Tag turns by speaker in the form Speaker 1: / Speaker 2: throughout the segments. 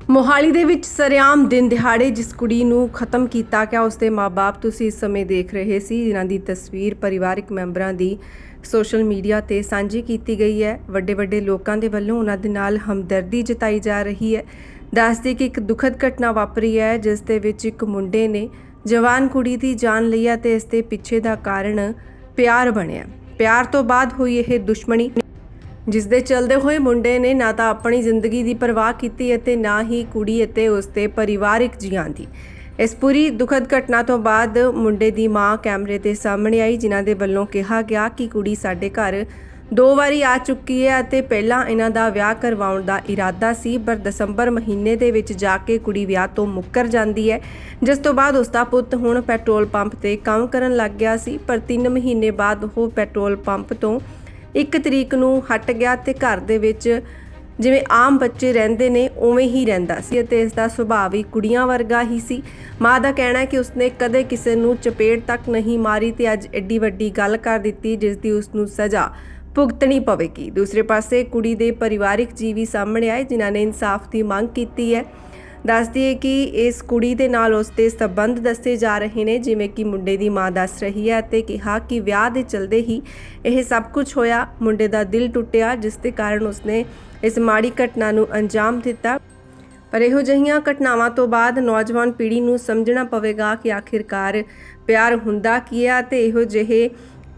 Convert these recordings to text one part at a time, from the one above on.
Speaker 1: ਮੋਹਾਲੀ ਦੇ ਵਿੱਚ ਸਰੇਆਮ ਦਿਨ ਦਿਹਾੜੇ ਜਿਸ ਕੁੜੀ ਨੂੰ ਖਤਮ ਕੀਤਾ ਗਿਆ ਉਸਦੇ ਮਾਪੇ ਤੁਸੀਂ ਇਸ ਸਮੇਂ ਦੇਖ ਰਹੇ ਸੀ, ਜਿਨ੍ਹਾਂ ਦੀ ਤਸਵੀਰ ਪਰਿਵਾਰਕ ਮੈਂਬਰਾਂ ਦੀ ਸੋਸ਼ਲ ਮੀਡੀਆ ਤੇ ਸਾਂਝੀ ਕੀਤੀ ਗਈ ਹੈ। ਵੱਡੇ ਲੋਕਾਂ ਦੇ ਵੱਲੋਂ ਉਹਨਾਂ ਦੇ ਨਾਲ ਹਮਦਰਦੀ ਜਤਾਈ ਜਾ ਰਹੀ ਹੈ। ਦੱਸਦੇ ਕਿ ਇੱਕ ਦੁਖਦ ਘਟਨਾ ਵਾਪਰੀ ਹੈ, ਜਿਸ ਦੇ ਵਿੱਚ ਇੱਕ ਮੁੰਡੇ ਨੇ ਜਵਾਨ ਕੁੜੀ ਦੀ ਜਾਨ ਲਈ ਹੈ ਤੇ ਇਸ ਦੇ ਪਿੱਛੇ ਦਾ ਕਾਰਨ ਪਿਆਰ ਬਣਿਆ। ਪਿਆਰ ਤੋਂ ਬਾਅਦ ਹੋਈ ਇਹ ਦੁਸ਼ਮਣੀ, ਜਿਸ ਦੇ ਚਲਦੇ ਹੋਏ ਮੁੰਡੇ ਨੇ ਨਾ ਤਾਂ ਆਪਣੀ ਜ਼ਿੰਦਗੀ ਦੀ ਪਰਵਾਹ ਕੀਤੀ ਅਤੇ ਨਾ ਹੀ ਕੁੜੀ ਅਤੇ ਉਸਦੇ ਪਰਿਵਾਰਕ ਜੀਆਂ ਦੀ। ਇਸ ਪੂਰੀ ਦੁਖਦ ਘਟਨਾ ਤੋਂ ਬਾਅਦ ਮੁੰਡੇ ਦੀ ਮਾਂ ਕੈਮਰੇ ਦੇ ਸਾਹਮਣੇ ਆਈ, ਜਿਨ੍ਹਾਂ ਦੇ ਵੱਲੋਂ ਕਿਹਾ ਗਿਆ ਕਿ ਕੁੜੀ ਸਾਡੇ ਘਰ 2 ਵਾਰੀ ਆ ਚੁੱਕੀ ਹੈ ਅਤੇ ਪਹਿਲਾਂ ਇਹਨਾਂ ਦਾ ਵਿਆਹ ਕਰਵਾਉਣ ਦਾ ਇਰਾਦਾ ਸੀ, ਪਰ ਦਸੰਬਰ ਮਹੀਨੇ ਦੇ ਵਿੱਚ ਜਾ ਕੇ ਕੁੜੀ ਵਿਆਹ ਤੋਂ ਮੁੱਕਰ ਜਾਂਦੀ ਹੈ, ਜਿਸ ਤੋਂ ਬਾਅਦ ਉਸਦਾ ਪੁੱਤ ਹੁਣ ਪੈਟਰੋਲ ਪੰਪ ਤੇ ਕੰਮ ਕਰਨ ਲੱਗ ਗਿਆ ਸੀ। ਪਰ 3 ਮਹੀਨੇ ਬਾਅਦ ਉਹ ਪੈਟਰੋਲ ਪੰਪ ਤੋਂ 1 ਤਰੀਕ ਨੂੰ ਹਟ ਗਿਆ ਤੇ ਘਰ ਦੇ ਵਿੱਚ ਜਿਵੇਂ ਆਮ ਬੱਚੇ ਰਹਿੰਦੇ ਨੇ ਉਵੇਂ ਹੀ ਰਹਿੰਦਾ ਸੀ ਅਤੇ ਇਸ ਦਾ ਸੁਭਾਅ ਵੀ ਕੁੜੀਆਂ ਵਰਗਾ ਹੀ ਸੀ। ਮਾਂ ਦਾ ਕਹਿਣਾ ਹੈ ਕਿ ਉਸਨੇ ਕਦੇ ਕਿਸੇ ਨੂੰ ਚਪੇੜ ਤੱਕ ਨਹੀਂ ਮਾਰੀ ਤੇ ਅੱਜ ਐਡੀ ਵੱਡੀ ਗੱਲ ਕਰ ਦਿੱਤੀ, ਜਿਸ ਦੀ ਉਸ ਨੂੰ ਸਜ਼ਾ ਭੁਗਤਣੀ ਪਵੇਗੀ। ਦੂਸਰੇ ਪਾਸੇ ਕੁੜੀ ਦੇ ਪਰਿਵਾਰਕ ਜੀਅ ਵੀ ਸਾਹਮਣੇ ਆਏ, ਜਿਨ੍ਹਾਂ ਨੇ ਇਨਸਾਫ ਦੀ ਮੰਗ ਕੀਤੀ ਹੈ। ਦੱਸਦੀ ਹੈ ਕਿ ਇਸ ਕੁੜੀ ਦੇ ਨਾਲ ਉਸ ਦੇ ਸਬੰਧ ਦੱਸੇ ਜਾ ਰਹੇ ਨੇ, ਜਿਵੇਂ ਕਿ ਮੁੰਡੇ ਦੀ ਮਾਂ ਦੱਸ ਰਹੀ ਹੈ ਅਤੇ ਕਿਹਾ ਕਿ ਵਿਆਹ ਦੇ ਚਲਦੇ ਹੀ ਇਹ ਸਭ ਕੁਝ ਹੋਇਆ। ਮੁੰਡੇ ਦਾ ਦਿਲ ਟੁੱਟਿਆ, ਜਿਸ ਦੇ ਕਾਰਨ ਉਸਨੇ ਇਸ ਮਾੜੀ ਘਟਨਾ ਨੂੰ ਅੰਜਾਮ ਦਿੱਤਾ। ਪਰ ਇਹੋ ਜਿਹੀਆਂ ਘਟਨਾਵਾਂ ਤੋਂ ਬਾਅਦ ਨੌਜਵਾਨ ਪੀੜ੍ਹੀ ਨੂੰ ਸਮਝਣਾ ਪਵੇਗਾ ਕਿ ਆਖਿਰਕਾਰ ਪਿਆਰ ਹੁੰਦਾ ਕੀ ਹੈ ਅਤੇ ਇਹੋ ਜਿਹੇ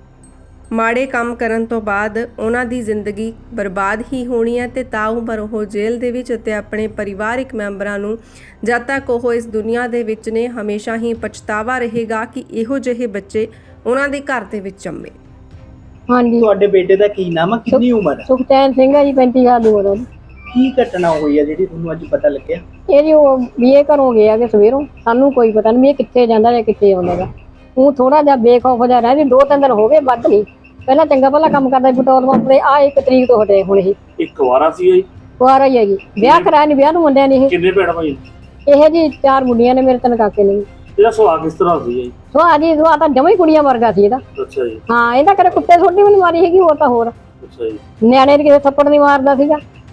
Speaker 1: ਮਾੜੇ ਕੰਮ ਕਰਨ ਤੋਂ ਬਾਅਦ ਉਹਨਾਂ ਦੀ ਜ਼ਿੰਦਗੀ ਬਰਬਾਦ ਹੀ ਹੋਣੀ ਹੈ ਤੇ ਤਾਂ ਉਮਰ ਉਹ ਜੇਲ੍ਹ ਦੇ ਵਿੱਚ ਅਤੇ ਆਪਣੇ ਪਰਿਵਾਰਕ ਮੈਂਬਰਾਂ ਨੂੰ ਜਦ ਤੱਕ ਉਹ ਇਸ ਦੁਨੀਆ ਦੇ ਵਿੱਚ ਨੇ ਹਮੇਸ਼ਾ ਹੀ ਪਛਤਾਵਾ ਰਹੇਗਾ ਕਿ ਇਹੋ ਜਿਹੇ ਬੱਚੇ ਉਹਨਾਂ ਦੇ ਘਰ ਦੇ ਵਿੱਚ ਜੰਮੇ।
Speaker 2: ਹਾਂਜੀ,
Speaker 3: ਤੁਹਾਡੇ ਬੇਟੇ ਦਾ ਕੀ ਨਾਮ ਹੈ, ਕਿੰਨੀ ਉਮਰ ਹੈ?
Speaker 2: ਸੁਖਚੈਨ ਸਿੰਘ ਹੈ ਜੀ, 35 ਸਾਲ ਦੀ ਉਮਰ ਹੈ।
Speaker 3: ਕੀ ਘਟਨਾ ਹੋਈ ਹੈ ਜਿਹੜੀ ਤੁਹਾਨੂੰ ਅੱਜ ਪਤਾ ਲੱਗਿਆ?
Speaker 2: ਇਹ ਜੀ ਉਹ ਬੀਏ ਘਰੋਂ ਗਿਆ ਕਿ ਸਵੇਰੋਂ, ਸਾਨੂੰ ਕੋਈ ਪਤਾ ਨਹੀਂ ਵੀ ਇਹ ਕਿੱਥੇ ਜਾਂਦਾ ਜਾਂ ਕਿੱਥੇ ਆਉਂਦਾ ਗਾ। ਉਹ ਥੋੜਾ ਜਿਹਾ ਬੇਖੌਫ ਜਿਹਾ ਰਹਿ ਜੀ, 2-3 ਦਿਨ ਹੋ ਗਏ, ਵੱਧ ਨਹੀਂ। ਪਹਿਲਾਂ ਚੰਗਾ ਭਲਾ ਕੰਮ ਕਰਦਾ ਪੈਟਰੋਲ ਪੰਪ ਤੇ, ਆ 1 ਤਰੀਕ ਤੋਂ ਹਟੇ ਹੁਣ ਇਹ।
Speaker 4: ਇੱਕ ਵਾਰਾ ਸੀ ਜੀ,
Speaker 2: ਕੁਆਰਾ ਹੀ ਹੈ ਜੀ, ਵਿਆਹ ਕਰਾਇਆ ਨਹੀਂ, ਵਿਆਹ ਨੂੰ ਮੁੰਡਿਆਂ ਨੇ ਇਹ।
Speaker 4: ਕਿੰਨੇ ਭੈਣ ਭਾਈ?
Speaker 2: ਇਹ ਜੀ 4 ਮੁੰਡੀਆਂ ਨੇ, ਮੇਰੇ 3 ਕਾਕੇ ਨੇ।
Speaker 4: ਇਹਦਾ ਸੁਭਾਅ ਕਿਸ ਤਰ੍ਹਾਂ ਸੀ ਜੀ?
Speaker 2: ਸੁਭਾਅ ਤਾਂ ਜਮਾਂ ਹੀ ਕੁੜੀਆਂ ਵਰਗਾ ਸੀ ਇਹਦਾ।
Speaker 4: ਅੱਛਾ ਜੀ।
Speaker 2: ਹਾਂ, ਇਹਦਾ ਕਦੇ ਕੁੱਤੇ ਛੋਟੀ ਵੀ ਨਹੀਂ ਮਾਰੀ ਹੈਗੀ, ਹੋਰ ਤਾਂ ਹੋਰ।
Speaker 4: ਅੱਛਾ ਜੀ।
Speaker 2: ਨਿਆਣੇ ਦੇ ਕਿਸੇ ਥੱਪੜ ਨਹੀਂ ਮਾਰਦਾ ਸੀਗਾ।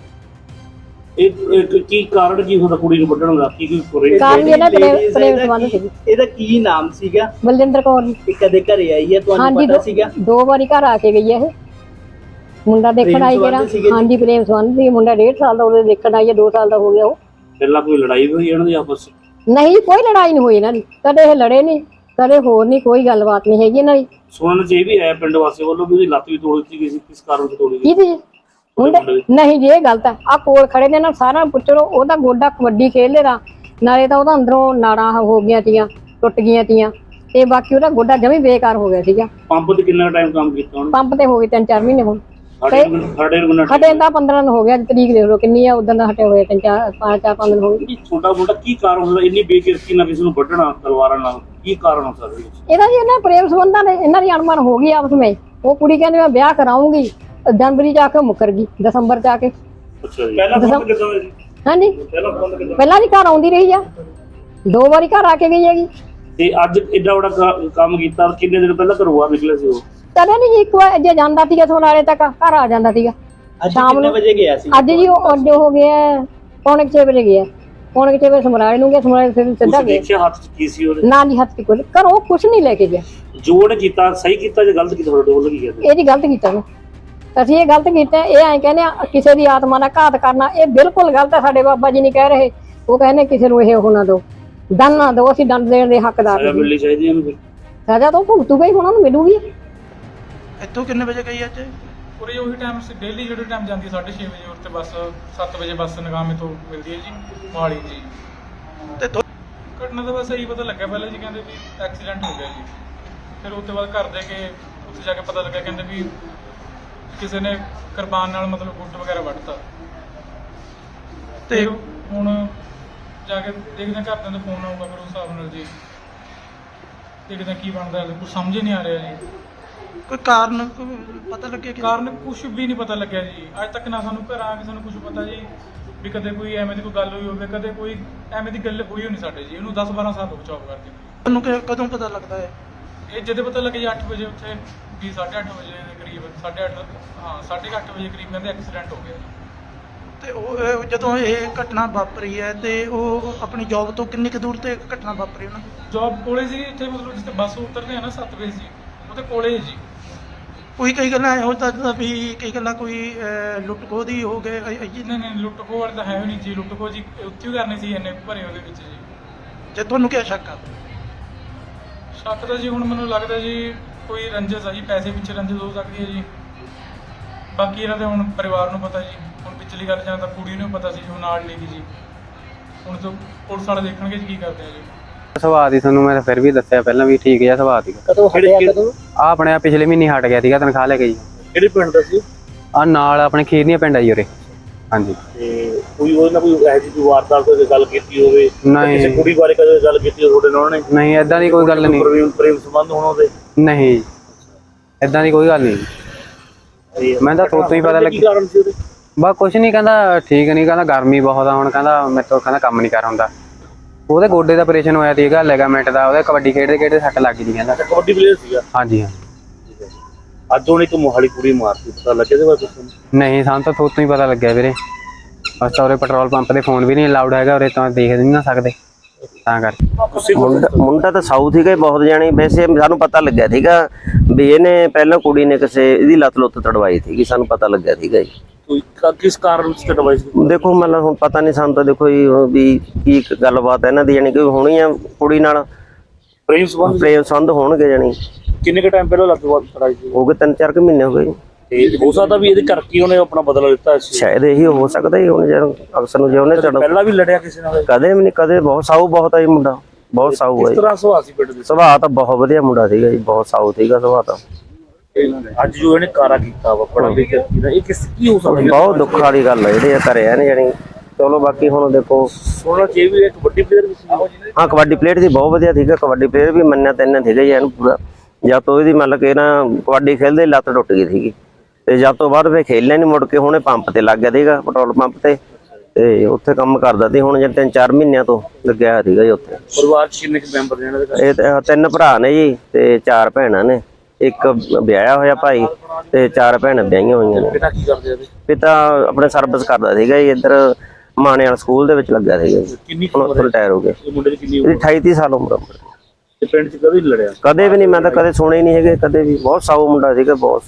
Speaker 4: ਇਹ ਕੀ ਕਾਰਨ ਕੀ ਹੁੰਦਾ ਕੁੜੀ ਨੂੰ ਵੱਢਣ ਦਾ? ਕੀ ਕੋਈ
Speaker 2: ਕਾਰਨ ਇਹਦਾ ਪ੍ਰੇਮ ਸੰਬੰਧ ਸੀ।
Speaker 3: ਇਹਦਾ ਕੀ ਨਾਮ ਸੀਗਾ?
Speaker 2: ਬਲਜਿੰਦਰ ਕੌਰ ਜੀ।
Speaker 3: ਇਹ ਕਦੇ ਘਰੇ ਆਈ ਹੈ, ਤੁਹਾਨੂੰ ਪਤਾ ਸੀਗਾ?
Speaker 2: 2 ਵਾਰੀ ਘਰ ਆ ਕੇ ਗਈ ਹੈ ਇਹ। ਮੁੰਡਾ ਦੇਖਣ ਆਈ ਜਿਹੜਾ, ਹਾਂਜੀ ਪ੍ਰੇਮ ਸੰਬੰਧ ਸੀ। ਮੁੰਡਾ 1.5 ਸਾਲ ਦਾ ਉਹਦੇ ਦੇਖਣ ਆਈ ਹੈ, 2 ਸਾਲ ਦਾ ਹੋ ਗਿਆ ਉਹ।
Speaker 4: ਪਹਿਲਾਂ ਕੋਈ ਲੜਾਈ ਹੋਈ ਇਹਨਾਂ ਦੀ ਆਪਸ ਵਿੱਚ?
Speaker 2: ਨਹੀਂ, ਕੋਈ ਲੜਾਈ ਨਹੀਂ ਹੋਈ ਇਹਨਾਂ ਦੀ, ਕਦੇ ਇਹ ਲੜੇ ਨਹੀਂ, ਕਦੇ ਹੋਰ ਨਹੀਂ, ਕੋਈ ਗੱਲਬਾਤ ਨਹੀਂ ਹੈਗੀ ਇਹਨਾਂ ਦੀ।
Speaker 4: ਸੁਣਨ ਚ ਇਹ ਵੀ ਆਇਆ ਪਿੰਡ ਵਾਸੀਆਂ ਵੱਲੋਂ ਵੀ ਉਹਦੀ ਲੱਤ ਵੀ ਤੋੜ ਦਿੱਤੀ ਗਈ ਸੀ, ਕਿਸ ਕਾਰਨ ਤੋਂ ਤੋੜੀ ਗਈ?
Speaker 2: ਕੀ ਮੁੰਡੇ ਨਹੀਂ ਜੀ, ਇਹ ਗਲਤ ਹੈ। ਆ ਕੋਲ ਖੜੇ ਨੇ ਨਾ, ਸਾਰਾ ਪੁੱਛੋ, ਉਹਦਾ ਗੋਡਾ ਕਬੱਡੀ ਖੇਡਦੇ ਦਾ, ਨਾਲੇ ਤਾਂ ਉਹਦਾ ਅੰਦਰੋਂ ਨਾੜਾਂ ਹੋ ਗਈਆਂ ਤੀਆਂ, ਟੁੱਟ ਗਈਆਂ ਤੀਆਂ, ਤੇ ਬਾਕੀ ਉਹਦਾ ਗੋਡਾ ਜਮੀ ਬੇਕਾਰ ਹੋ ਗਿਆ ਸੀਗਾ।
Speaker 4: ਪੰਪ ਤੇ ਕਿੰਨਾ ਟਾਈਮ ਕੰਮ ਕੀਤਾ ਉਹਨੇ?
Speaker 2: ਪੰਪ ਤੇ ਹੋ ਗਏ 3-4 ਮਹੀਨੇ ਹੁਣ।
Speaker 4: ਸਾਡੇ ਨੂੰ
Speaker 2: ਹਟੇ ਤਾਂ 15 ਦਿਨ ਹੋ ਗਿਆ, ਤਰੀਕ ਦੇਖ ਲਓ ਕਿੰਨੀ ਆ, ਉਦੋਂ ਦਾ ਹਟੇ ਹੋਏ 5 ਦਿਨ ਹੋ ਗਏ।
Speaker 4: ਛੋਟਾ ਮੋਟਾ ਕੀ ਕਾਰਨ ਹੁੰਦਾ ਇੰਨੀ ਬੇਕਿਰਕੀ ਨਾਲ ਕਿਸੇ ਨੂੰ ਵੱਢਣਾ ਤਲਵਾਰਾਂ ਨਾਲ? ਕੀ ਕਾਰਨ ਹੋ ਸਕਦਾ
Speaker 2: ਇਹਦਾ ਜੀ? ਇਹਨਾਂ ਪ੍ਰੇਮ ਸੰਬੰਧਾਂ ਨੇ, ਇਹਨਾਂ ਦੀ ਅਣਮਨ ਹੋ ਗਈ ਆਪਸ ਵਿੱਚ। ਉਹ ਕੁੜੀ ਕਹਿੰਦੀ ਮੈਂ ਵਿਆਹ ਕਰਾਉਂਗੀ, ਜਨਵਰੀ ਚ ਆ ਕੇ ਮੁੱਕਰ ਗਈ, ਦਸੰਬਰ ਚ ਆ ਕੇ।
Speaker 4: ਅੱਛਾ ਜੀ। ਪਹਿਲਾਂ ਫੋਨ ਕਿੱਦਾਂ ਹੋਇਆ ਜੀ?
Speaker 2: ਹਾਂਜੀ, ਪਹਿਲਾਂ ਵੀ ਘਰ ਆਉਂਦੀ ਰਹੀ ਆ, 2 ਵਾਰੀ ਘਰ ਆ ਕੇ ਗਈ ਹੈਗੀ।
Speaker 4: ਤੇ ਅੱਜ ਏਡਾ ਵੱਡਾ ਕੰਮ ਕੀਤਾ, ਕਿੰਨੇ ਦਿਨ ਪਹਿਲਾਂ ਘਰੋਂ ਬਾਹਰ ਨਿਕਲੇ ਸੀ ਉਹ?
Speaker 2: ਕਦੇ ਨਹੀਂ ਜੀ, ਇੱਕ ਵਾਰ ਜੇ ਜਾਂਦਾ ਸੀਗਾ ਸੋਨਾਲੇ ਤੱਕ ਘਰ ਆ ਜਾਂਦਾ ਸੀਗਾ।
Speaker 3: ਸ਼ਾਮ ਨੂੰ ਕਿੰਨੇ ਵਜੇ ਗਿਆ ਸੀ?
Speaker 2: ਅੱਜ ਜੀ ਉਹ ਅੱਡੇ ਹੋ ਗਿਆ 6:45 ਵਜੇ ਗਿਆ, 6:45 ਵਜੇ ਸਮਰਾਲੇ ਨੂੰ ਗਿਆ, ਸਮਰਾਲੇ ਫਿਰ ਸਿੱਧਾ ਗਿਆ।
Speaker 4: ਦੇਖਿਆ ਹੱਥ ਚ ਕੀ ਸੀ ਉਹਦੇ?
Speaker 2: ਨਾ ਜੀ, ਹੱਥ ਕੋਲ ਘਰੋਂ ਕੁਛ ਨਹੀਂ ਲੈ ਕੇ ਗਿਆ।
Speaker 4: ਜੋੜ ਕੀਤਾ ਸਹੀ ਕੀਤਾ ਜਾਂ ਗਲਤ ਕੀਤਾ? ਤੁਹਾਡੇ ਵੱਲੋਂ ਕੀ ਕਹਿੰਦੇ?
Speaker 2: ਇਹ ਜੀ ਗਲਤ ਕੀਤਾ ਨੇ, ਅਸੀਂ ਇਹ ਗਲਤ ਕੀਤਾ। ਇਹ ਐਂ ਕਹਿੰਦੇ ਆ ਕਿਸੇ ਦੀ ਆਤਮਾ ਨਾਲ ਘਾਤ ਕਰਨਾ, ਇਹ ਬਿਲਕੁਲ ਗਲਤ ਹੈ। ਸਾਡੇ ਬਾਬਾ ਜੀ ਨਹੀਂ ਕਹਿ ਰਹੇ, ਉਹ ਕਹਿੰਦੇ ਕਿਸੇ ਨੂੰ ਇਹ ਹੋਣਾ ਦਿਓ, ਦੰਡ ਨਾ ਦਿਓ, ਅਸੀਂ ਦੰਡ ਦੇਣ ਦੇ ਹੱਕਦਾਰ
Speaker 4: ਸਜ਼ਾ ਮਿਲਣੀ ਚਾਹੀਦੀ ਇਹਨੂੰ। ਫਿਰ
Speaker 2: ਸਜ਼ਾ ਤਾਂ ਭੁਗਤੂਗਾ ਹੀ, ਹੁਣ ਉਹਨੂੰ ਮਿਲੂਗੀ।
Speaker 5: ਇੱਥੋਂ ਕਿੰਨੇ ਵਜੇ ਗਈ ਅੱਜ?
Speaker 6: ਪੂਰੀ ਉਹੀ ਟਾਈਮ ਸੀ, ਡੇਲੀ ਜਿਹੜੇ ਟਾਈਮ ਜਾਂਦੀ 6:30 ਵਜੇ, ਉਸ ਤੇ ਬੱਸ 7 ਵਜੇ ਬੱਸ ਨਗਾਮੇ ਤੋਂ ਮਿਲਦੀ ਹੈ ਜੀ, ਮੋਹਾਲੀ ਜੀ।
Speaker 5: ਤੇ
Speaker 6: ਘਟਨਾ ਦਾ ਬਸ ਇਹੀ ਪਤਾ ਲੱਗਿਆ ਪਹਿਲਾਂ ਜੀ, ਕਹਿੰਦੇ ਵੀ ਐਕਸੀਡੈਂਟ ਹੋ ਗਿਆ ਜੀ। ਫਿਰ ਉਸ ਤੋਂ ਬਾਅਦ ਘਰ ਦੇ ਕੇ ਉੱਥੇ ਜਾ ਕੇ ਪਤਾ ਲੱਗਿਆ, ਕਹਿੰਦੇ ਵੀ ਕਿਸੇ ਨੇ ਕਿਰਪਾਨ ਨਾਲ ਮਤਲਬ ਗੁੱਟ ਵਗੈਰਾ ਵੱਢਤਾ। ਤੇ ਹੁਣ ਜਾ ਕੇ ਦੇਖਦੇ ਘਰਦਿਆਂ ਦਾ ਫੋਨ ਆਊਗਾ, ਫਿਰ ਉਸ ਹਿਸਾਬ ਨਾਲ ਜੀ ਦੇਖਦੇ ਕੀ ਬਣਦਾ। ਕੁਛ ਸਮਝ ਨਹੀਂ ਆ ਰਿਹਾ ਜੀ।
Speaker 5: ਕੋਈ ਕਾਰਨ ਪਤਾ ਲੱਗਿਆ?
Speaker 6: ਕਾਰਨ ਕੁਛ ਵੀ ਨਹੀਂ ਪਤਾ ਲੱਗਿਆ ਜੀ ਅੱਜ ਤੱਕ, ਨਾ ਸਾਨੂੰ ਘਰ ਆ ਕੇ ਸਾਨੂੰ ਕੁਛ ਪਤਾ ਜੀ ਵੀ ਕਦੇ ਕੋਈ ਐਵੇਂ ਦੀ ਕੋਈ ਗੱਲ ਹੋਈ ਹੋਵੇ, ਕਦੇ ਕੋਈ ਐਵੇਂ ਦੀ ਗੱਲ ਹੋਈ ਹੋਣੀ ਸਾਡੇ ਜੀ। ਇਹਨੂੰ 10-12 ਸਾਲ ਹੋ ਜੌਬ ਕਰਦੇ।
Speaker 5: ਤੁਹਾਨੂੰ ਕਦੋਂ ਪਤਾ ਲੱਗਦਾ ਹੈ?
Speaker 6: ਇਹ ਜਦੋਂ ਪਤਾ ਲੱਗਿਆ ਜੀ 8 ਵਜੇ, ਉੱਥੇ ਵੀ 8:30 ਵਜੇ ਦੇ ਕਰੀਬ, 8:30 ਹਾਂ 8:30 ਵਜੇ ਕਰੀਬ ਕਹਿੰਦੇ ਐਕਸੀਡੈਂਟ ਹੋ ਗਿਆ।
Speaker 5: ਤੇ ਉਹ ਜਦੋਂ ਇਹ ਘਟਨਾ ਵਾਪਰੀ ਹੈ ਤੇ ਉਹ ਆਪਣੀ ਜੌਬ ਤੋਂ ਕਿੰਨੀ ਕੁ ਦੂਰ ਤੇ ਘਟਨਾ ਵਾਪਰੀ ਉਹਨਾਂ ਦੀ?
Speaker 6: ਜੌਬ ਕੋਲੇ ਸੀ ਇੱਥੇ, ਮਤਲਬ ਜਿੱਥੇ ਬੱਸ ਉਤਰਦੇ ਆ ਨਾ 7 ਵਜੇ ਸੀ, ਉਹਦੇ ਕੋਲੇ ਹੀ ਜੀ।
Speaker 5: ਕੋਈ ਕਈ ਗੱਲਾਂ ਇਹੋ ਤਾਂ ਵੀ ਕਈ ਗੱਲਾਂ ਕੋਈ ਲੁੱਟ ਖੋਹ ਦੀ ਹੋ ਗਏ
Speaker 6: ਨਹੀਂ ਲੁੱਟ ਖੋਹ ਵਾਲੀ ਤਾਂ ਹੈ ਹੀ ਨਹੀਂ ਜੀ। ਲੁੱਟ ਖੋਹ ਜੀ ਉੱਥੇ ਹੀ ਕਰਨੀ ਸੀ ਇੰਨੇ ਭਰੇ ਉਹਦੇ ਵਿੱਚ ਜੀ।
Speaker 5: ਜੇ ਤੁਹਾਨੂੰ ਕੀ ਸ਼ੱਕ ਆ?
Speaker 6: ਸ਼ੱਕ ਤਾਂ ਜੀ ਹੁਣ ਮੈਨੂੰ ਲੱਗਦਾ ਜੀ ਕੋਈ ਰੰਜਿਸ਼ ਆ ਜੀ, ਪੈਸੇ ਪਿੱਛੇ ਰੰਜਿਸ਼ ਹੋ ਸਕਦੀ ਹੈ ਜੀ। ਬਾਕੀ ਇਹਨਾਂ ਦੇ ਹੁਣ ਪਰਿਵਾਰ ਨੂੰ ਪਤਾ ਜੀ। ਹੁਣ ਪਿਛਲੀ ਗੱਲ ਜਾਂ ਤਾਂ ਕੁੜੀ ਨੂੰ ਪਤਾ ਸੀ ਜੀ, ਉਹ ਨਾਲ ਲੈ ਗਈ ਜੀ। ਹੁਣ ਤੋਂ ਪੁਲਿਸ ਵਾਲੇ ਦੇਖਣਗੇ ਜੀ ਕੀ ਕਰਦੇ ਆ ਜੀ।
Speaker 7: ਸੁਭਾਅ ਦੀ ਤੁਹਾਨੂੰ ਮੈਂ ਫਿਰ ਵੀ ਦੱਸਿਆ ਪਹਿਲਾਂ ਵੀ ਠੀਕ ਜਿਹਾ ਸੁਭਾਅ ਸੀਗਾ।
Speaker 3: ਕਦੋਂ ਹਟਿਆ ਕਦੋਂ?
Speaker 7: ਆ ਆਪਣੇ ਪਿਛਲੇ ਮਹੀਨੇ ਹਟ ਗਿਆ ਸੀਗਾ ਤਨਖਾਹ ਲੈ ਕੇ ਜੀ।
Speaker 4: ਕਿਹੜੇ ਪਿੰਡ ਦਾ ਸੀ?
Speaker 7: ਆ ਨਾਲ ਆਪਣੇ ਖੀਰਨੀਆਂ ਪਿੰਡ ਆ ਜੀ ਉਰੇ। ਹਾਂਜੀ।
Speaker 4: ਤੇ ਕੋਈ ਉਹਦੇ ਨਾਲ ਕੋਈ ਇਹੋ ਜਿਹੀ ਕੋਈ ਵਾਰਦਾਤ ਕੋਈ ਗੱਲ ਕੀਤੀ ਹੋਵੇ?
Speaker 7: ਨਹੀਂ।
Speaker 4: ਕਿਸੇ ਕੁੜੀ ਬਾਰੇ ਕਦੇ ਗੱਲ ਕੀਤੀ ਹੋਵੇ ਤੁਹਾਡੇ ਨਾਲ ਉਹਨੇ?
Speaker 7: ਨਹੀਂ ਏਦਾਂ ਦੀ ਕੋਈ ਗੱਲ ਨਹੀਂ।
Speaker 4: ਪ੍ਰੇਮ ਸੰਬੰਧ ਹੋਣ ਉਹਦੇ?
Speaker 7: ਨਹੀਂ ਏਦਾਂ ਦੀ ਕੋਈ ਗੱਲ ਨਹੀਂ। ਮੈਂ ਤਾਂ ਤੋਂ ਹੀ ਪਤਾ
Speaker 4: ਕੀ
Speaker 7: ਲੱਗਿਆ।
Speaker 4: ਕਾਰਨ ਸੀ ਉਹਦੇ?
Speaker 7: ਬਸ ਕੁਛ ਨਹੀਂ, ਕਹਿੰਦਾ ਠੀਕ ਨਹੀਂ, ਕਹਿੰਦਾ ਗਰਮੀ ਬਹੁਤ ਆ ਹੁਣ, ਕਹਿੰਦਾ ਮੇਰੇ ਤੋਂ ਕਹਿੰਦਾ ਕੰਮ ਨਹੀਂ ਕਰ ਹੁੰਦਾ। ਉਹਦੇ ਗੋਡੇ ਦਾ ਆਪਰੇਸ਼ਨ ਹੋਇਆ ਸੀਗਾ, ਲਿਗਾਮੈਂਟ ਦਾ। ਉਹਦੇ ਕਬੱਡੀ ਖੇਡਦੇ ਸੱਟ ਲੱਗ ਗਈ ਕਹਿੰਦਾ।
Speaker 4: ਕਬੱਡੀ ਪਲੇਅਰ ਸੀਗਾ?
Speaker 7: ਹਾਂਜੀ ਹਾਂ।
Speaker 4: ਅੱਜ ਉਹਨੇ ਇੱਕ ਮੋਹਾਲੀ ਕੁੜੀ ਮਾਰਤੀ, ਪਤਾ ਲੱਗਿਆ ਇਹਦੇ ਬਾਰੇ ਕੁਛ?
Speaker 7: ਨਹੀਂ ਸਾਨੂੰ ਤਾਂ ਤੋਂ ਹੀ ਪਤਾ ਲੱਗਿਆ ਵੀਰੇ। ਬਸ ਤਾਂ ਉਰੇ ਪੈਟਰੋਲ ਪੰਪ ਦੇ ਫੋਨ ਵੀ ਨਹੀਂ ਅਲਾਉਡ ਹੈਗਾ ਉਰੇ, ਤਾਂ ਦੇਖ ਨਹੀਂ ਨਾ ਸਕਦੇ ਤਾਂ ਕਰਕੇ।
Speaker 8: ਮੁੰਡਾ ਤਾਂ ਸਾਊਥ ਸੀਗਾ ਬਹੁਤ ਜਾਣੀ। ਵੈਸੇ ਸਾਨੂੰ ਪਤਾ ਲੱਗਿਆ ਸੀਗਾ ਵੀ ਇਹਨੇ ਪਹਿਲਾਂ ਕੁੜੀ ਨੇ ਕਿਸੇ ਇਹਦੀ ਲੱਤ ਲੁੱਤ ਤੜਵਾਈ ਸੀਗੀ, ਸਾਨੂੰ ਪਤਾ ਲੱਗਿਆ ਸੀਗਾ ਜੀ।
Speaker 4: ਕੋਈ ਕਿਸ ਕਾਰਨ ਵਿੱਚ ਤੜਵਾਈ ਸੀ?
Speaker 8: ਦੇਖੋ ਮਤਲਬ ਹੁਣ ਪਤਾ ਨਹੀਂ ਸਾਨੂੰ ਤਾਂ, ਦੇਖੋ ਜੀ ਵੀ ਕੀ ਗੱਲਬਾਤ ਹੈ ਇਹਨਾਂ ਦੀ, ਜਾਣੀ ਕਿ ਹੋਣੀ ਆ ਕੁੜੀ ਨਾਲ
Speaker 4: ਪ੍ਰੇਮ
Speaker 8: ਸੰਬੰਧ ਹੋਣਗੇ ਜਾਣੀ।
Speaker 4: ਕਿੰਨੇ ਕੁ ਟਾਈਮ ਪਹਿਲਾਂ ਲੱਤ ਤੜਾਈ ਸੀ?
Speaker 8: ਹੋ ਗਏ 3-4 ਮਹੀਨੇ ਹੋ ਗਏ ਜੀ।
Speaker 4: ਤੇ ਹੋ ਸਕਦਾ ਵੀ ਇਹਦੇ ਕਰਕੇ ਉਹਨੇ ਆਪਣਾ ਬਦਲਾ ਲਿੱਤਾ ਸੀ।
Speaker 8: ਸ਼ਾਇਦ ਇਹੀ ਹੋ ਸਕਦਾ ਜੀ। ਹੁਣ ਜਦੋਂ ਅਕਸਰ ਨੂੰ ਜੇ ਉਹਨੇ
Speaker 4: ਪਹਿਲਾਂ ਵੀ ਲੜਿਆ ਕਿਸੇ ਨਾਲ?
Speaker 8: ਕਦੇ ਵੀ ਨਹੀਂ, ਕਦੇ। ਬਹੁਤ ਸਾਊ ਬਹੁਤ ਆ ਜੀ ਮੁੰਡਾ, ਬਹੁਤ ਸਾਊ ਹੈ
Speaker 4: ਇਸ
Speaker 8: ਜੀ।
Speaker 4: ਤਰ੍ਹਾਂ ਸੁਭਾਅ ਸੀ ਪਿੰਡ ਦੇ?
Speaker 8: ਸੁਭਾਅ ਤਾਂ ਬਹੁਤ ਵਧੀਆ ਮੁੰਡਾ ਸੀਗਾ ਜੀ, ਬਹੁਤ ਸਾਊ ਸੀਗਾ ਸੁਭਾਅ ਤਾਂ।
Speaker 4: ਅੱਜ ਜੋ ਇਹਨੇ ਕਾਰਾ ਕੀਤਾ ਵਾ ਬੜਾ ਬੇਇੱਜ਼ਤੀ ਦਾ, ਇਹ ਕੀ ਹੋ ਸਕਦਾ?
Speaker 8: ਬਹੁਤ ਦੁੱਖ ਵਾਲੀ ਗੱਲ ਹੈ ਜਿਹੜੀ ਇਹ ਕਰਿਆ ਨੇ ਜਾਣੀ। ਚਲੋ ਬਾਕੀ ਹੁਣ ਦੇਖੋ
Speaker 4: ਸੋਨਾ ਚੇ ਵੀ ਇੱਕ ਵੱਡੀ ਪਲੇਅਰ ਵੀ ਸੀ।
Speaker 8: ਹਾਂ ਕਬੱਡੀ ਪਲੇਅਰ ਸੀ, ਬਹੁਤ ਵਧੀਆ ਸੀਗਾ। ਕਬੱਡੀ ਪਲੇਅਰ ਵੀ ਮੰਨਿਆ ਤੈਨਾਂ ਸੀਗਾ ਜੀ ਇਹਨੂੰ ਪੂਰਾ। ਜਦ ਤੋਂ ਇਹਦੀ ਮਤਲਬ ਕਿ ਨਾ ਕਬੱਡੀ ਖੇਲਦੇ ਲੱਤ ਟੁੱਟ ਗਈ ਸੀਗੀ, ਤੇ ਜਦ ਤੋਂ ਬਾਅਦ ਫਿਰ ਖੇਲਣਾ ਨਹੀਂ ਮੁੜ ਕੇ। ਹੁਣੇ ਪੰਪ ਤੇ ਲੱਗ ਗਿਆ ਸੀਗਾ, ਪੈਟਰੋਲ ਪੰਪ ਤੇ ਉੱਥੇ ਕੰਮ ਕਰਦਾ ਸੀ। ਹੁਣ ਜੇ 3-4 ਮਹੀਨਿਆਂ ਤੋਂ ਲੱਗਿਆ ਹੋਇਆ ਸੀਗਾ ਜੀ ਉੱਥੇ।
Speaker 4: ਪਰਿਵਾਰ ਚ ਕਿੰਨੇ ਮੈਂਬਰ ਨੇ ਇਹਨਾਂ ਦੇ?
Speaker 8: ਇਹ 3 ਭਰਾ ਨੇ ਜੀ ਤੇ 4 ਭੈਣਾਂ ਨੇ। ਇੱਕ ਵਿਆਹਿਆ ਹੋਇਆ ਭਾਈ ਤੇ 4 ਭੈਣਾਂ ਵਿਆਹੀਆਂ ਹੋਈਆਂ ਨੇ।
Speaker 4: ਪਿਤਾ ਕੀ ਕਰਦੇ ਆ?
Speaker 8: ਪਿਤਾ ਆਪਣੇ ਸਰਵਿਸ ਕਰਦਾ ਸੀਗਾ ਜੀ, ਇੱਧਰ ਮਾਣੇ ਵਾਲਾ ਸਕੂਲ ਦੇ ਵਿੱਚ ਲੱਗਿਆ ਸੀਗਾ ਜੀ।
Speaker 4: ਕਿੰਨੀ
Speaker 8: ਹੁਣ ਰਿਟਾਇਰ ਹੋ ਗਏ।
Speaker 4: ਇਹ ਮੁੰਡੇ ਦੀ ਕਿੰਨੀ
Speaker 8: ਇਹਦੀ 28-30 ਸਾਲ ਉਮਰ।
Speaker 4: ਤੇ ਪਿੰਡ ਚ ਕਦੇ ਨਹੀਂ ਲੜਿਆ?
Speaker 8: ਕਦੇ ਵੀ ਨਹੀਂ, ਮੈਂ ਤਾਂ ਕਦੇ ਸੁਣੇ ਨਹੀਂ ਹੈਗੇ ਕਦੇ ਵੀ। ਬਹੁਤ ਸਾਊ ਮੁੰਡਾ ਸੀਗਾ ਬਹੁਤ।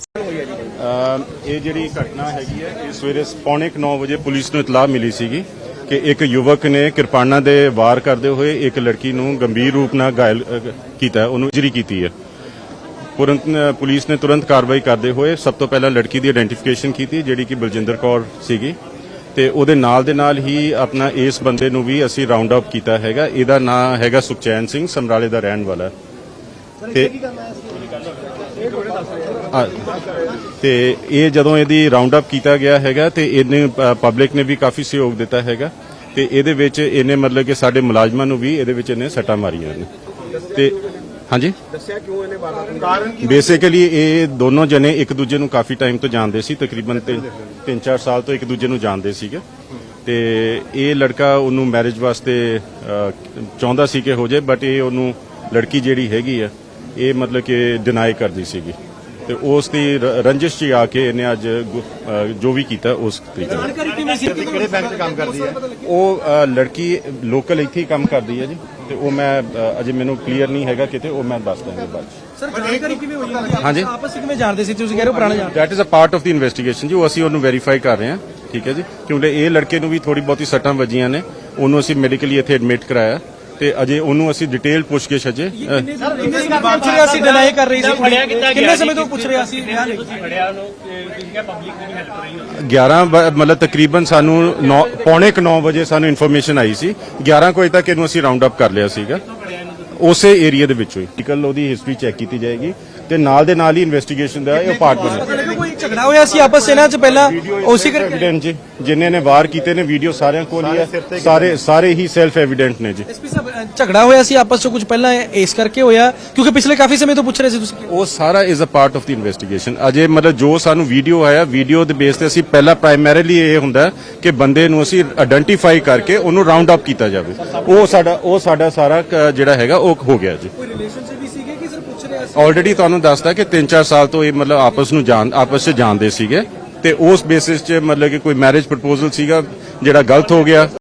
Speaker 9: ਇਹ ਜਿਹੜੀ ਘਟਨਾ ਹੈਗੀ ਹੈ, ਇਹ ਸਵੇਰੇ 9:45 ਵਜੇ ਪੁਲਿਸ ਨੂੰ ਇਤਲਾਹ ਮਿਲੀ ਸੀਗੀ ਕਿ ਇੱਕ ਯੁਵਕ ਨੇ ਕਿਰਪਾਨਾਂ ਦੇ ਵਾਰ ਕਰਦੇ ਹੋਏ ਇੱਕ ਲੜਕੀ ਨੂੰ ਗੰਭੀਰ ਰੂਪ ਨਾਲ ਘਾਇਲ ਕੀਤਾ, ਉਹਨੂੰ ਇੰਜਰੀ ਕੀਤੀ ਹੈ। ਪੁਲਿਸ ਨੇ ਤੁਰੰਤ ਕਾਰਵਾਈ ਕਰਦੇ ਹੋਏ ਸਭ ਤੋਂ ਪਹਿਲਾਂ ਲੜਕੀ ਦੀ ਆਇਡੈਂਟੀਫਿਕੇਸ਼ਨ ਕੀਤੀ, ਜਿਹੜੀ ਕਿ ਬਲਜਿੰਦਰ ਕੌਰ ਸੀਗੀ, ਤੇ ਉਹਦੇ ਨਾਲ ਦੇ ਨਾਲ ਹੀ ਆਪਣਾ ਇਸ ਬੰਦੇ ਨੂੰ ਵੀ ਅਸੀਂ ਰਾਉਂਡ ਅਪ ਕੀਤਾ ਹੈਗਾ। ਇਹਦਾ ਨਾਮ ਹੈਗਾ ਸੁਖਚੈਨ ਸਿੰਘ, ਸਮਰਾਲੇ ਦਾ ਰਹਿਣ ਵਾਲਾ। ਤੇ ਇਹ ਜਦੋਂ ਇਹਦੀ ਰਾਉਂਡ ਅਪ ਕੀਤਾ ਗਿਆ ਹੈਗਾ ਤੇ ਇਹਨੇ ਪਬਲਿਕ ਨੇ ਵੀ ਕਾਫੀ ਸਹਿਯੋਗ ਦਿੱਤਾ ਹੈਗਾ, ਤੇ ਇਹਦੇ ਵਿੱਚ ਇਹਨੇ ਮਤਲਬ ਕਿ ਸਾਡੇ ਮੁਲਾਜ਼ਮਾਂ ਨੂੰ ਵੀ ਇਹਦੇ ਵਿੱਚ ਇਹਨੇ ਸੱਟਾਂ ਮਾਰੀਆਂ ਨੇ। ਤੇ ਹਾਂਜੀ ਦੱਸਿਆ ਕਿਉਂ ਇਹਨੇ ਕਾਰਨ? ਬੇਸਿਕਲੀ ਇਹ ਦੋਨੋਂ ਜਣੇ ਇੱਕ ਦੂਜੇ ਨੂੰ ਕਾਫੀ ਟਾਈਮ ਤੋਂ ਜਾਣਦੇ ਸੀ, ਤਕਰੀਬਨ 3-4 ਸਾਲ ਤੋਂ ਇੱਕ ਦੂਜੇ ਨੂੰ ਜਾਣਦੇ ਸੀਗੇ। ਤੇ ਇਹ ਲੜਕਾ ਉਹਨੂੰ ਮੈਰਿਜ ਵਾਸਤੇ ਚਾਹੁੰਦਾ ਸੀ ਕਿ ਹੋ ਜਾਏ, ਬਟ ਇਹ ਉਹਨੂੰ ਲੜਕੀ ਜਿਹੜੀ ਹੈਗੀ ਆ ਇਹ ਮਤਲਬ ਕਿ ਡਿਨਾਈ ਕਰਦੀ ਸੀਗੀ, ਤੇ ਉਸ ਦੀ ਰੰਜਿਸ਼ 'ਚ ਆ ਕੇ ਇਹਨੇ ਅੱਜ ਜੋ ਵੀ ਕੀਤਾ ਉਸ ਤਰੀਕੇ ਨਾਲ।
Speaker 10: ਕਿਹੜੇ ਬੈਂਕ 'ਚ ਕੰਮ ਕਰਦੀ ਹੈ
Speaker 9: ਉਹ ਲੜਕੀ ਲੋਕਲ ਇੱਥੇ ਹੀ ਕੰਮ ਕਰਦੀ ਹੈ ਜੀ, ਤੇ ਉਹ ਮੈਂ ਅਜੇ ਮੈਨੂੰ ਕਲੀਅਰ ਨਹੀਂ ਹੈਗਾ ਕਿਤੇ, ਉਹ ਮੈਂ ਦੱਸ ਦਾਂਗਾ ਬਾਅਦ 'ਚ।
Speaker 10: ਸਰ ਜਾਣਕਾਰੀ ਕਿਵੇਂ ਹੋਈ ਹੈ?
Speaker 9: ਹਾਂਜੀ
Speaker 10: ਆਪਸ ਵਿੱਚ ਕਿਵੇਂ ਜਾਣਦੇ ਸੀ? ਤੁਸੀਂ ਕਹਿ ਰਹੇ ਹੋ ਪੁਰਾਣੇ ਜਾਣਦੇ।
Speaker 9: That is a part of the investigation ਜੀ, ਉਹ ਅਸੀਂ ਉਹਨੂੰ ਵੈਰੀਫਾਈ ਕਰ ਰਹੇ ਹਾਂ। ਠੀਕ ਹੈ ਜੀ, ਕਿਉਂਕਿ ਇਹ ਲੜਕੇ ਨੂੰ ਵੀ ਥੋੜੀ ਬਹੁਤੀ ਸੱਟਾਂ ਵੱਜੀਆਂ ਨੇ, ਉਹਨੂੰ ਅਸੀਂ ਮੈਡੀਕਲੀ ਇੱਥੇ ਐਡਮਿਟ ਕਰਾਇਆ, ਤੇ ਅਜੇ ਉਹਨੂੰ ਅਸੀਂ ਡਿਟੇਲ ਪੁੱਛਗਿੱਛ ਅਜੇ
Speaker 10: ਕਿੰਨੇ ਸਮੇਂ ਤੋਂ ਪੁੱਛ ਰਿਹਾ ਸੀ? ਡਿਨਾਈ ਕਰ ਰਹੀ ਸੀ। ਕਿੰਨੇ ਸਮੇਂ ਤੋਂ ਪੁੱਛ ਰਿਹਾ ਸੀ?
Speaker 9: 11 ਮਤਲਬ ਤਕਰੀਬਨ ਸਾਨੂੰ 9:45 ਵਜੇ ਸਾਨੂੰ ਇਨਫੋਰਮੇਸ਼ਨ ਆਈ ਸੀ। 11 ਵਜੇ ਤੱਕ ਇਹਨੂੰ ਅਸੀਂ ਰਾਉਂਡ ਅਪ ਕਰ ਲਿਆ ਸੀਗਾ ਉਸੇ ਏਰੀਆ ਦੇ ਵਿੱਚੋਂ ਹੀ। ਟਿਕਲ ਉਹਦੀ ਹਿਸਟਰੀ ਚੈੱਕ ਕੀਤੀ ਜਾਏਗੀ, ਤੇ ਨਾਲ ਦੇ ਨਾਲ ਹੀ ਇਨਵੈਸਟੀਗੇਸ਼ਨ ਦਾ ਇਹ ਪਾਰਟ ਬਣੇ।
Speaker 10: ਕੋਈ ਝਗੜਾ ਹੋਇਆ ਸੀ ਆਪਸ ਇਹਨਾਂ 'ਚ ਪਹਿਲਾਂ? ਉਸੇ ਕਰਕੇ
Speaker 9: ਐਵੀਡੈਂਟ ਜੀ, ਜਿਨ੍ਹਾਂ ਨੇ ਵਾਰ ਕੀਤੇ ਨੇ ਵੀਡੀਓ ਸਾਰਿਆਂ ਕੋਲ ਹੀ ਹੈ, ਸਾਰੇ ਹੀ ਸੈਲਫ ਐਵੀਡੈਂਟ ਨੇ ਜੀ।
Speaker 10: ਐਸਪੀ ਸਾਹਿਬ ਝਗੜਾ ਹੋਇਆ ਸੀ ਆਪਸ 'ਚ ਕੁਝ ਪਹਿਲਾਂ ਇਸ ਕਰਕੇ ਹੋਇਆ ਕਿਉਂਕਿ ਪਿਛਲੇ ਕਾਫੀ ਸਮੇਂ ਤੋਂ ਪੁੱਛ ਰਹੇ ਸੀ ਤੁਸੀਂ?
Speaker 9: ਉਹ ਸਾਰਾ is a part of the investigation. ਅਜੇ ਮਤਲਬ ਜੋ ਸਾਨੂੰ ਵੀਡੀਓ ਆਇਆ, ਵੀਡੀਓ ਦੇ ਬੇਸ ਤੇ ਅਸੀਂ ਪਹਿਲਾਂ ਪ੍ਰਾਇਮਰੀਲੀ ਇਹ ਹੁੰਦਾ ਕਿ ਬੰਦੇ ਨੂੰ ਅਸੀਂ ਆਇਡੈਂਟੀਫਾਈ ਕਰਕੇ ਉਹਨੂੰ ਰਾਉਂਡ ਅਪ ਕੀਤਾ ਜਾਵੇ। ਉਹ ਸਾਡਾ ਸਾਰਾ ਜਿਹੜਾ ਹੈਗਾ ਉਹ ਹੋ ਗਿਆ ਜੀ।
Speaker 10: ਕੋਈ ਰਿਲੇਸ਼ਨਸ਼ਿਪ ਵੀ ਸੀਗੇ ਕਿ ਸਿਰ ਪੁੱਛ ਰਿਹਾ ਸੀ?
Speaker 9: ਆਲਰੇਡੀ ਤੁਹਾਨੂੰ ਦੱਸਦਾ ਕਿ 3-4 ਸਾਲ ਤੋਂ ਇਹ ਮਤਲਬ ਆਪਸ 'ਚ ਜਾਣਦੇ ਸੀਗੇ, ਤੇ ਉਸ ਬੇਸਿਸ 'ਚ ਮਤਲਬ ਕਿ ਕੋਈ ਮੈਰਿਜ ਪ੍ਰਪੋਜ਼ਲ ਸੀਗਾ ਜਿਹੜਾ ਗਲਤ ਹੋ ਗਿਆ।